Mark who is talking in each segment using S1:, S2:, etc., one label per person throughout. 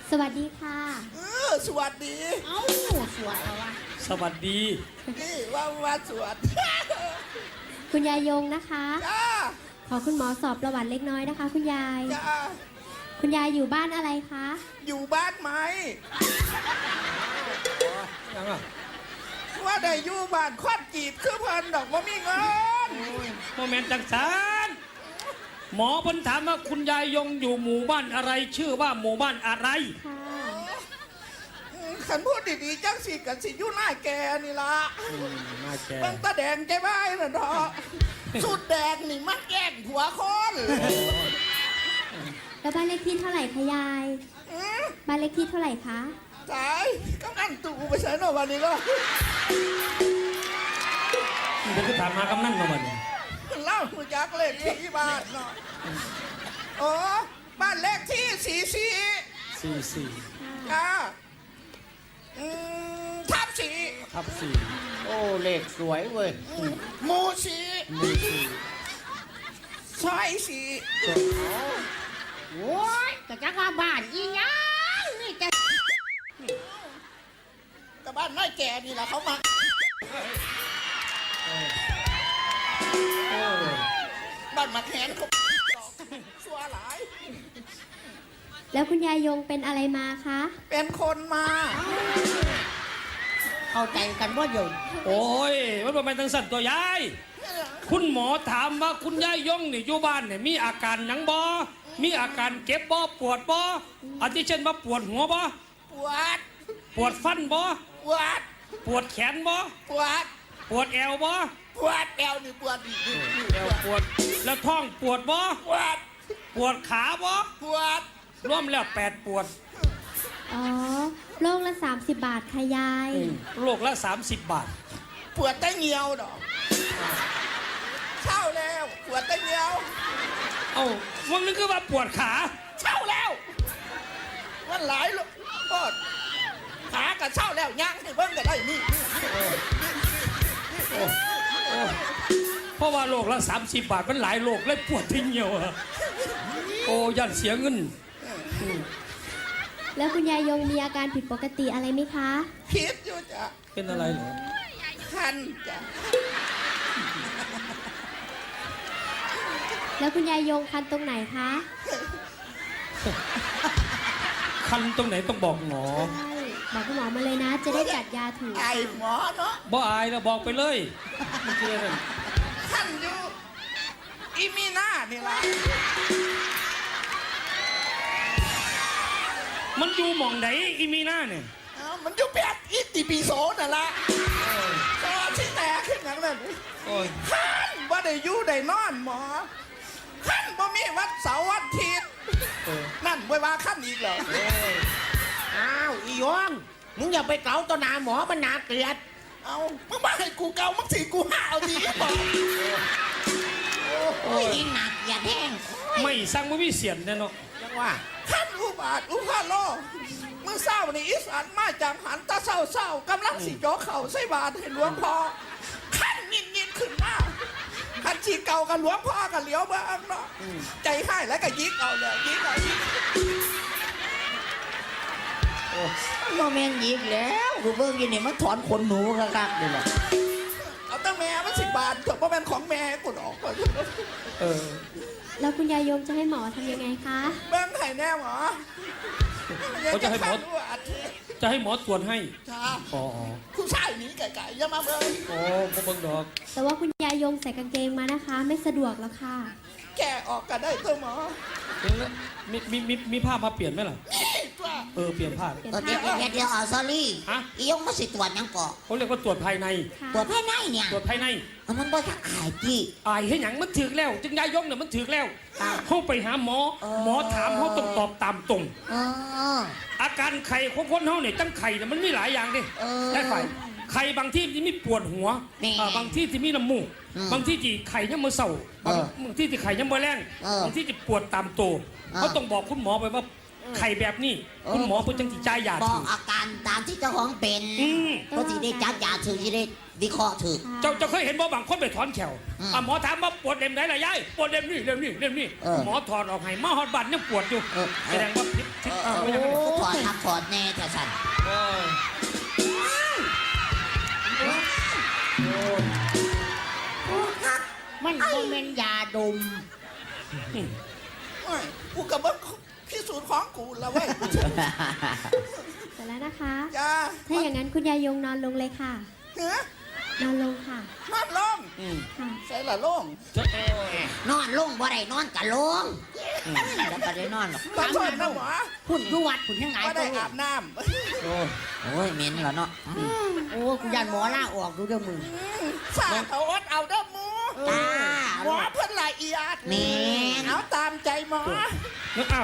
S1: สวัสดีค่ะ
S2: สวัสดี
S3: เอ้าสวยเอาวะ
S4: สวัสดี
S2: นี่ว่าสวัสดี
S1: คุณยายยงนะคะ
S2: จ้า
S1: ขอคุณหมอสอบประวัติเล็กน้อยนะคะ คุณยาย
S2: จ้า
S1: คุณยายอยู่บ้านอะไรคะ
S2: อยู่บ้านไหม
S4: ยังอ่ะ
S2: ว่าได้อยู่บ้านควันจีบคือเพิ่นดอกว่ามีเงิน
S4: โมเมนต์จังสารหมอเพิ่นถามว่าคุณยายยงอยู่หมู่บ้านอะไรชื่อว่าหมู่บ้านอะไร
S1: ค่ะ
S2: ขันพูดดีๆจังสิกันสิอยู่หน้าแกนี่ละ
S4: น่าแก
S2: เบิ่งตาแดงใจบ้ายน่ะดอกสุดแดงนี่มันแย่งหัวคน
S1: แล้วบ้านเลขที่เท่าไหร่คะยายบ้านเลขที่เท่าไหร่คะ
S2: ตายกำนันตู่ไปใส่หน่อยวันนี้ก็
S4: เดี๋ยวจะถามมากำนันมาวันนี้
S2: เล่าหูจักเลขที่บ้านเนาะโอ้บ้านเลขที่44
S4: 44
S2: จ้าทับสี่
S4: ทับ
S3: โอ้เลขสวยเว้ย
S2: หมูสี่
S4: 4หมู่
S2: ซอยสี่
S3: โอ้ยแต่จักว่าบ้านอีหยังนี่จะ
S2: แต่บ้านน้อยแก่นี่แหละเขามาบ้านมาแขนเขาสัวหลาย
S1: แล้วคุณยายยงเป็นอะไรมาคะ
S2: เป็นคนมา
S3: เข้าใจกันว่าอยู่
S4: โอ้ยมันเป็นทางสั่นตัวยายคุณหมอถามว่าคุณยายยงนี่อยู่บ้านเนี่ยมีอาการหยังบ่มีอาการเก็บบ่ปวดบ่อาทิเช่นว่าปวดหัวบ่
S2: ปวด
S4: ปวดฟันบ่
S2: ปวด
S4: ปวดแขนบ่
S2: ปวด
S4: ปวดแอวบ่
S2: ปวดแอวนี่ปวดนี่
S4: แอวปวดแล้วท้องปวดบ่
S2: ปวด
S4: ปวดขาบ่
S2: ปวด
S4: รวมแล้ว8ปวด
S1: อ๋อโลกละ30 บาทค่ะยาย
S4: โลกละ30 บาท
S2: ปวดแต่เงียวดอกเช่าแล้วปวดแต่เงียว
S4: เอ้าวันนึงคือว่าปวดขา
S2: เช่าแล้วมันหลายลูกปวดขากับเช่าแล้วย่างให้เบิ่งก็ได้นี่
S4: เพราะว่าโลกละ30 บาทมันหลายโลกเลยปวดทิ้งเหี่ยวอะโอ้ยันเสียเงิน
S1: แล้วคุณยายยงมีอาการผิดปกติอะไรไหมคะ
S2: คิดอยู่จ้ะ
S4: เป็นอะไรเหรอ
S2: คันจ้ะ
S1: แล้วคุณยายยงคันตรงไหนคะ
S4: คันตรงไหนต้องบอกหมอ
S1: ใช่บอกคุณหมอมาเลยนะ จะได้จัดยาถูก
S2: ไอหมอเนาะ
S4: บ่อายแล้วบอกไปเลยไม่เชื่อนั่น
S2: คันอยู่อีมีหน้านี่ละ
S4: มันอยู่หม่องไหนอีมีหน้าเนี่ย
S2: มันอยู่แบบอิติปิโสนั่นละตอนที่แตกขึ้นอย่างนั้น
S4: โอ้ย
S2: ขันว่าได้อยู่ได้นอนหมอขันบ่มีวัดเสาร์วันอาทิตย์นั่นไว้ว่าขันอีกเหรอ
S3: อ้าวอีหยงมึงอย่าไปเกาต่อหน้าหมอมันน่าเกลียด
S2: เอามึงมาให้กูเกามึงสิกูห้าเอาดีบอก
S3: โอ้ยอีหนักอย่าแท่ง
S4: ไม่สั่งไม่มีเสียนแน่เนาะ
S3: จังว่า
S2: ขันอุบาทอุพาโลมึงเศร้านี่อีสานมาจากหันตาเศร้ากำลังสิโจเข่าใส่บาทให้หลวงพ่อขันยินขึ้นมาขันชีเก่ากับหลวงพ่อกับเหลียวเบ้างเนาะใจให้แล้วก็ยิกเอาเลยยิกเอายิก
S3: โมเมนต์ยิกแล้วกูเบิ่งอยินนี่มันถอนขนหนูคักๆเลยล่ะ
S2: เอาตั้งแม่มัน10 บาทเถอะเพราะเป็นของแม่กูออกก่อน
S4: เออ
S1: แล้วคุณยายยงจะให้หมอทำยังไงคะ
S2: เบิ้งไข่แน่หมอ
S4: เขาจะให้หมอ จะให้หมอตรวจให้
S2: จ้า
S4: อ๋อ
S2: คุณชายหนีไก่ๆอย่ามาเบิ้ง
S4: โอ้บ่เบิ่งดอก
S1: แต่ว่าคุณยายยงใส่กางเกงมานะคะ ไม่สะดวกแล้วค่ะ
S2: แกออกกันได้ตัวหมอ
S4: มีผ้ามาเปลี่ยนไหมล่ะ
S2: นี่ตัว
S4: เปลี่ยนผ้า
S1: เปลี่ยน
S3: เดี๋ยว
S1: ผ้า
S3: เดี๋ยวซอรี่
S4: ฮะ
S3: อีหยงมาสิตรวจหยังก่อ
S4: เขาเรียกว่าตรวจภายใน
S1: ค่ะ
S3: ตรวจภายในเนี่ย
S4: ตรวจภายใน
S3: มันบ่ทักอายจี้
S4: อายให้หยังมันถึกแล้ว จึงยายยงเนี่ยมันถึกแล้ว
S3: อ้าว
S4: เขาไปหาหมอ หมอถามเขาต้องตอบตามตรง
S3: เออ
S4: อาการไข่ของคนเขาเนี่ยตั้งไข่เนี่ยมันมีหลายอย่างดิ
S3: เออ
S4: ได้ไข่ไข่บางที่ที่มีปวดหัว
S3: นี่
S4: บางที่ที่มีน้ำมูก
S3: อืม
S4: บางที่ที่ไข่ยังมือเศร้า บางที่ที่ไข่ยังมือแรง บางที่ที่ปวดตามตัวเขาต้องบอกคุณหมอไปว่าไข่แบบนี้ คุณหมอเพื่อจังจิจ่ายยา
S3: บอ
S4: ถู
S3: ก
S4: ก
S3: อาการตามที่เจ้าของเป็น
S4: อืม
S3: ก็สิได้จัดยาถือสิได้วิเคราะห์ถือ
S1: ค่ะ
S4: เจ้าเคยเห็นบ่บางคนไปถอนแขว
S3: อืม
S4: หมอถามว่าปวดเล่มไหนล่ะยายปวดเล่มนี่เล่มนี่เล่มนี่
S3: เออ
S4: หมอถอดออกให้มาฮอดบัตรยังปวดอยู่
S3: เออ
S4: แสดงว่าพิษ
S3: โอ้
S4: ไม่ใช่
S3: ถออดทักถอดแน่แต่สั่น
S4: โอ้ย
S3: มันบ่แม่นยาดม
S2: โอ้ยกูกับมึงพิสูจน์ของกูแล้วเว้ย
S1: เสร็จแล้วนะคะ
S2: จ้า
S1: ถ้าอย่างนั้นคุณยายยงนอนลงเลยค่ะ
S2: เนื้อน
S1: อนลงค่ะ
S2: นอนลง
S1: ค่ะ
S2: ใส่ละลง
S4: จะ
S3: นอนลงบ่ได้นอนกะลงแล้วก็ได้นอนหรอก
S2: ขอโทษนะหมอ
S5: พุ่นดูวัดพุ่นยังไง
S2: ว่าได้อาบน้
S4: โอ้ย
S3: โอ้ยเหม็นแล้วเนาะ
S5: โอ้กูยันหมอล่าออกดูเด้อมึง
S2: ำสาดเอาอดเอาเด้อหมู
S3: จ้า
S2: หมอเพิ่นละเอียด
S3: แม่น
S2: เอาตามใจหมอ
S4: นึกเอา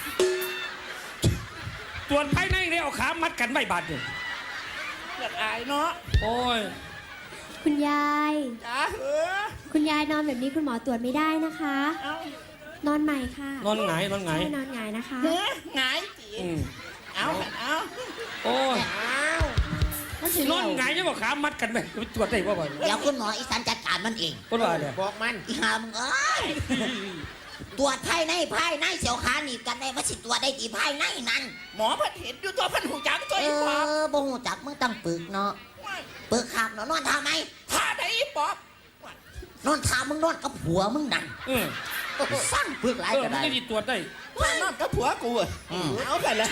S4: ตรวจภายในเนี่ยเอาขามัดกันไม่บาดเนี่ย
S2: อยากอายเนาะ
S4: โอ้ย
S1: คุณยาย
S2: จ้าเหอะ
S1: คุณยายนอนแบบนี้คุณหมอตรวจไม่ได้นะคะ
S2: เอา
S1: นอนใหม่ค่ะ
S4: นอนหงายนอนหงาย
S1: ใช่นอนหงายนะคะ
S2: เฮ้ยหงายจี
S4: อืม
S2: เอาเอา
S4: โอ้ย
S2: เอา
S5: มันสิ
S4: นอนหงายยังบอกขามัดกันไหมไปตรวจได้ป่ะบ่
S3: เดี๋ยวคุณหมออีสานจัดการมันเอง
S4: คนว่าเนี่ย
S5: บอกมัน
S3: อีหามึงเอ้ยตรวจภายในเสียวขาหนีบกันได้ว่าสิตรวจได้ที่ภายในนั่น
S2: หมอเพิ่นเห็นอยู่ตัวเพิ่นหูจักตัว
S3: เอ
S2: อีปอบ
S3: อบ่หูจักมึงต้องปึกเนาะปึกขับเนาะนอนท่าไหม
S2: ท่าไหนอีปอบ
S3: นอนท่ามึงนอนกับผัวมึงนั่น
S4: เออ
S3: สร้างปึกหลาย
S4: เออ
S3: ก็
S4: มัน
S3: ได้
S4: จะดีตรวจได้
S2: ท่านอนกับผัวกูอะเอาไปเลย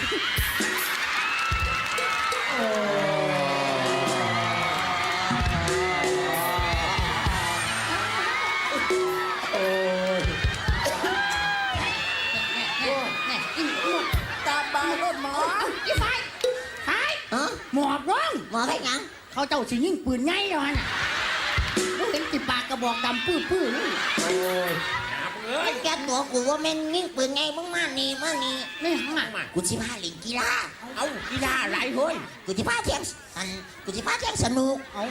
S5: นี่อีหมด
S2: ตามบารถหมอ
S5: อีไฟไฟ
S3: ฮะ
S5: หมอบร้อง
S3: หมอไปยัง
S5: เขาเจ้าสิยิงปืนไงแล้วฮะน่ะมึงเห็นติปากกระบอกดำปื้อๆนี่
S4: โอ้ย
S3: มันแกตัวกูว่าแม่งยิ่งปืนไงมึงมานี่มานี่
S5: นี่หังมา
S3: กูสิพาเล่นกีฬา
S5: เอากีฬาอะไรเฮ้ย
S3: กูสิพาเที่ยงกูสิพาเที่ยงสนุก
S5: เอา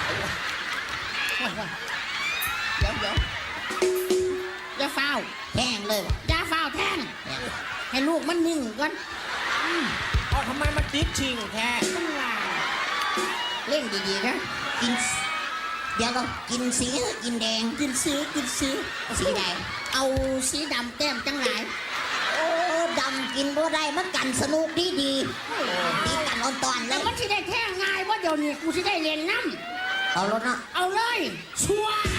S5: เดี๋ยวอย่าฟ้าว
S3: แท่งเลยว่ะ
S5: อย่าฟ้าวแทนให้ลูกมันนิ่งก่อน
S2: เอาทำไมมันติดชิงแท้
S5: ต้องว่าเล่นดีๆนะ
S3: กินเดี๋ยวก็กินสีกินแดง
S5: กินสี
S3: สีแดง
S5: เอาสีดำแต้มจังไร
S3: โอ้ดำกินบ่ได้มันกันสนุกดีดีกันอ่อนตอนเล
S5: แล้ว
S3: ย
S5: มันสิได้แท่ง่ายว่าเดี๋ยวนี้กูสิได้เรียนน้
S3: เอารถเนาะ
S5: ำเอาเลยชัวร์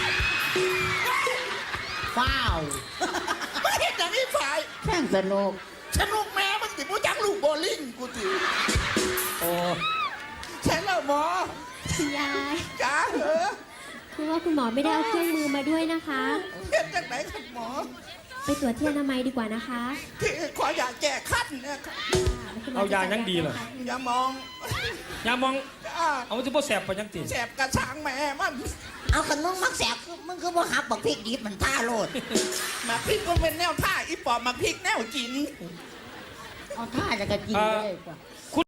S5: ฟ้าว
S2: ไม่เห็นอย่างนี้ฝ่าย
S3: แท่งสนุก
S2: สนุกแม่มันติดผู้จักลูกโบลิ่งกูติ
S4: โอ้
S2: ใช่แล้วหมอ
S1: คุณยาย
S2: จ้าเหอะ
S1: คือว่าคุณหมอไม่ได้เอาเครื่องมือมาด้วยนะคะ
S2: เห็นจากไหนครับหมอ
S1: ไปตรวจที่อนามัยดีกว่านะคะ
S2: ที่ขออยากแก้ขั้นเนี่ยครับ
S4: เอายายังดีเหรอ
S2: อย่ามอง
S4: ยามอง
S2: จ้า
S4: เอาที่พ่อแสบไปยังตี
S2: แสบกระช้างแม่มัน
S3: เอาขนมมักแสบมึงคือบ่หักบักพริกดิบมันท่าโลด
S2: มาพริกก็เป็นแนวท่าอีปอบมาพริกแนวกิน
S5: เอาท่าจะกระกินเลยกว่า